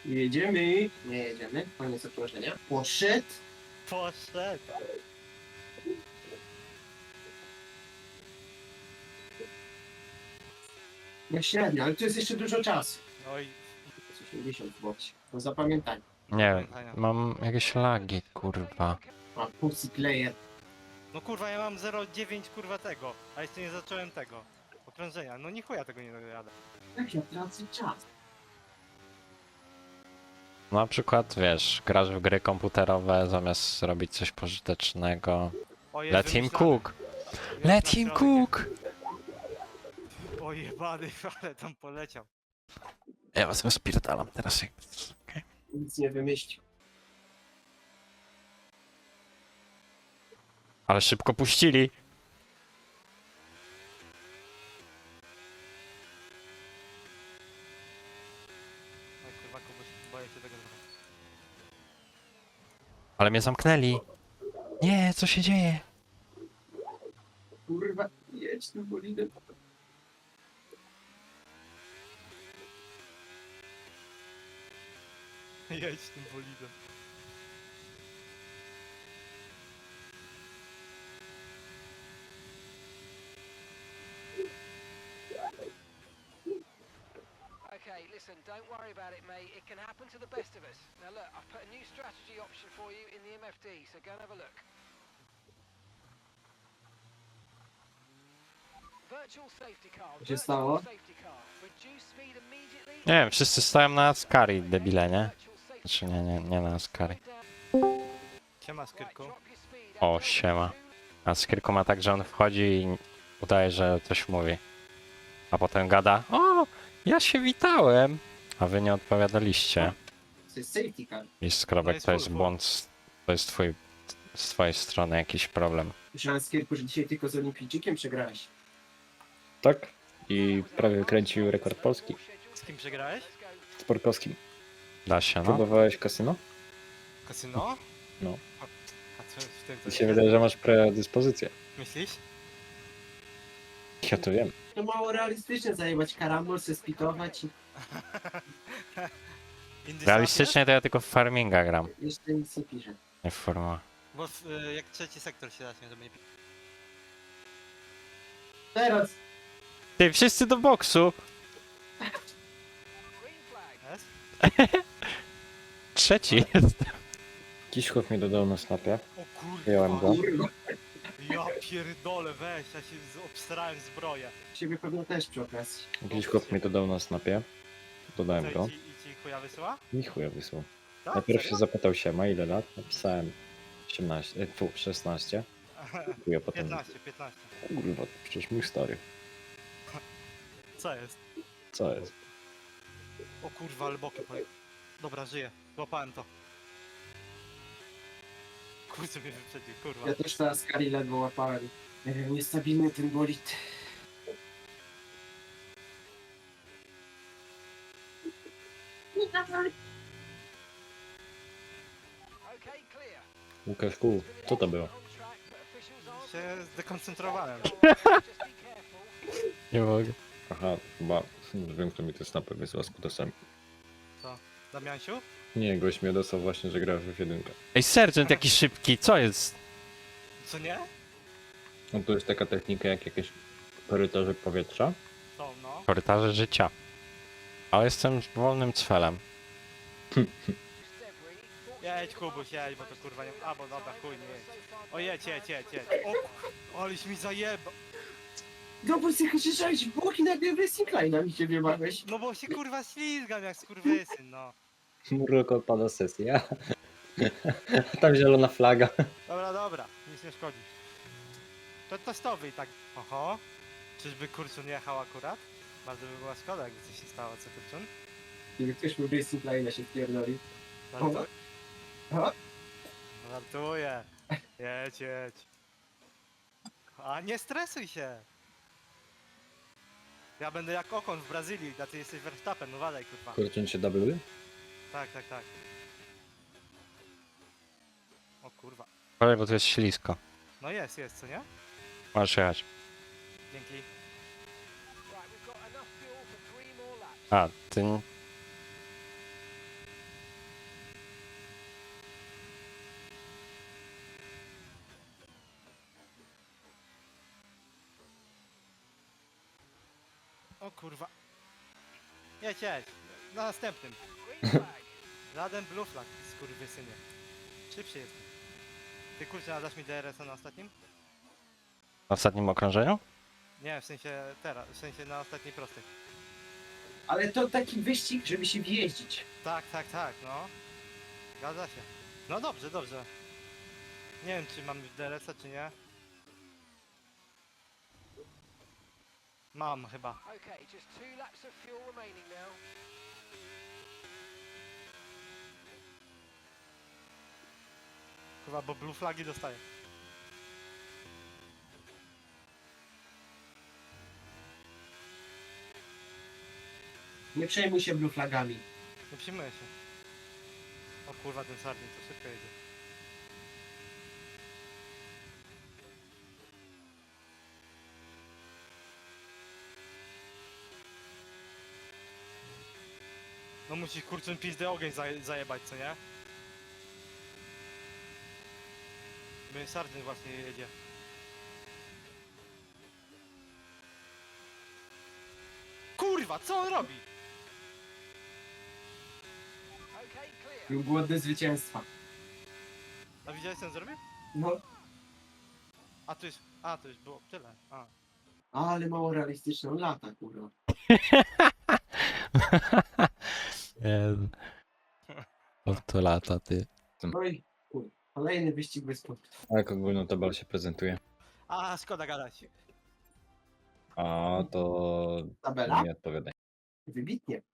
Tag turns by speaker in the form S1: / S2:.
S1: Jedziemy. Nie jedziemy. Koniec obciążenia. Poszedł.
S2: Poszedł.
S1: No średnio, ale tu jest jeszcze dużo czasu.
S2: Oj,
S1: 80 w bocie. No zapamiętaj.
S3: Nie, mam jakieś lagi, kurwa.
S1: A Pussy Player.
S2: no kurwa, ja mam 0,9 kurwa tego, a jeszcze nie zacząłem tego. Okrążenia, no ni chuja tego nie dojadę.
S1: Jak ja tracę czas?
S3: Na przykład, wiesz, grasz w gry komputerowe zamiast robić coś pożytecznego.
S2: O, jest
S3: Let him
S2: wymyślane.
S3: cook!
S2: Jest
S3: Let
S2: na
S3: him
S2: środek.
S3: cook!
S2: O jebany, ale tam poleciał.
S3: Ja was rozpierdalam teraz.
S1: Nic nie wymyślił.
S3: Ale szybko puścili.
S2: Oj kurwa, Kubuś, boję się tego trochę.
S3: Ale mnie zamknęli. Nie, co się dzieje?
S1: Kurwa, jedź tym bolidem.
S2: Jedź tym bolidem.
S4: Okay, listen, don't worry about it, mate. It can happen to the best of us. Now look, I've put a new strategy option for you in the MFD, so go and have a look. Virtual safety car.
S1: Co się
S4: Virtual
S1: stało?
S4: safety car. Reduce speed immediately.
S3: Nie wiem, wszyscy stoją na Ascari, debile, nie?
S4: Virtual safety
S3: Znaczy nie na Ascari.
S2: Siema, Skyrku.
S4: Right, drop your speed
S3: O,
S4: until
S3: siema.
S4: two.
S3: A Skirku ma tak, że on wchodzi i udaje, że coś mówi. A potem gada, o, ja się witałem. A wy nie odpowiadaliście.
S1: To jest safety car.
S3: I skrobek,
S2: jest
S3: to jest
S2: full.
S3: błąd, to jest z twojej strony jakiś problem.
S1: Słyszałem z Kierku, że dzisiaj tylko z Olimpijczykiem przegrałeś.
S5: Tak. I prawie wykręcił rekord Polski
S2: Z kim przegrałeś?
S5: z Porkowskim.
S3: Da się, no.
S5: Próbowałeś kasyno?
S2: Kasyno?
S5: No.
S2: A co w tym
S5: Mi
S2: to
S5: się
S2: jest?
S5: wydaje, że masz predyspozycję.
S2: Myślisz?
S5: Ja to wiem.
S1: To mało realistyczne zajebać karambol, se spitować i
S2: Indy
S3: Realistycznie to ja tylko w farminga gram,
S1: jeszcze nic nie pisze.
S3: nie w formułę.
S2: Bo jak trzeci sektor się zacznie, żeby nie...
S1: Teraz!
S3: Ty, wszyscy do boksu!
S4: Green flag.
S2: Jest?
S3: Trzeci jest.
S5: Jakiś chłop mi dodał na snapie.
S2: O kurwa.
S5: Wyjąłem go.
S1: Kurwa.
S2: Ja pierdolę, weź, ja się obstarałem zbroję.
S1: Ciebie pewno też przy okazji.
S5: Jakiś chłop mi dodał na snapie. Dodałem go.
S2: Co, i ci chuja wysyła?
S5: I chuja wysłał.
S2: Tak?
S5: Najpierw
S2: Serio?
S5: się zapytał się, ma ile lat? Napisałem 18, 16. Chuja potem.
S2: 15.
S5: Kurwa, to przecież mój stary.
S2: Co jest?
S5: Co jest?
S2: O kurwa, ale bokiem pojechał. Dobra, żyję. Złapałem to. Kurczę mnie wyprzedził, kurwa.
S1: Ja też teraz Kari ledwo łapałem. Niestabilny ten bolid.
S4: Okay, clear.
S5: Łukaszku, co to było?
S4: On track, but officials are
S2: Się zdekoncentrowałem.
S4: just be careful.
S3: Nie mogę.
S5: Aha, chyba wiem, kto mi te snapy wysłał z kutasami.
S2: Damiansiu?
S5: Nie, gość mnie dostał właśnie, że gra w F1.
S3: Ej, sergeant jaki szybki, co jest?
S2: Co nie?
S5: No to jest taka technika jak jakieś korytarze powietrza.
S2: Są, no.
S3: Korytarze życia. Ale jestem wolnym cfelem.
S4: Debris.
S2: Jedź Kubuś, jedź, bo to kurwa nie... A, bo dobra, chuj, nie jedź. O, jedź. O, aleś mi zajeba.
S1: No bo ty krzyczałeś w bok i nagle Racing Line'a mi się wymagłeś.
S2: No bo się kurwa ślizgam jak skurwysyn, no.
S5: Murok odpada sesja. Tam zielona flaga.
S2: Dobra, nic nie szkodzi. To testowy i tak. Oho. Czyżby Kurczun jechał akurat? Bardzo by była szkoda, jakby coś się stało, co Kurczun?
S1: Gdyby ktoś mu Racing Line'a się wpierdolił.
S2: Żartu-
S1: O.
S2: Żartuję. Jedź. A nie stresuj się. Ja będę jak Okon w Brazylii, a ty jesteś Verstappen, no walej kurwa.
S5: Kurczę się dubluje?
S2: Tak. O kurwa.
S3: Ale bo to jest ślisko.
S2: No jest, co nie?
S3: Możesz jechać.
S2: Dzięki.
S4: Right, we've got enough fuel for 3 more laps.
S3: A, ty...
S2: O kurwa. Jedź. Na następnym.
S4: Green flag.
S2: Żaden blue flag, skurwysynie. Szybciej jest. Ty kurczę, nadasz mi DRS-a na ostatnim?
S3: W ostatnim okrążeniu?
S2: Nie, w sensie teraz, w sensie na ostatniej prostej.
S1: Ale to taki wyścig, żeby się wjeździć.
S2: Tak, no. Zgadza się. No dobrze. Nie wiem, czy mam już DRS-a, czy nie. Mam chyba.
S4: Okay, just 2 laps of fuel remaining now.
S2: Chyba, bo blue flagi dostaję.
S1: Nie przejmuj się blue flagami.
S2: Nie przyjmuję się. O kurwa, ten sardin to szybko jedzie. No musi kurczę pizdę ogień zajebać, co nie? Bo sardin właśnie jedzie. Kurwa, co on robi?
S4: Okay, clear.
S1: Był głodny zwycięstwa.
S2: A widziałeś co on zrobił?
S1: No,
S2: To już było tyle. A.
S1: ale mało realistyczne. On lata, kurwa.
S3: Jezu. Od to lata, ty.
S1: No i kurwa. Kolejny wyścig bez punktów.
S5: A jak ogólną tabelę się prezentuje?
S2: A, szkoda gadać.
S5: A to
S1: Tabela?
S5: nie odpowiadaj.
S1: Wybitnie.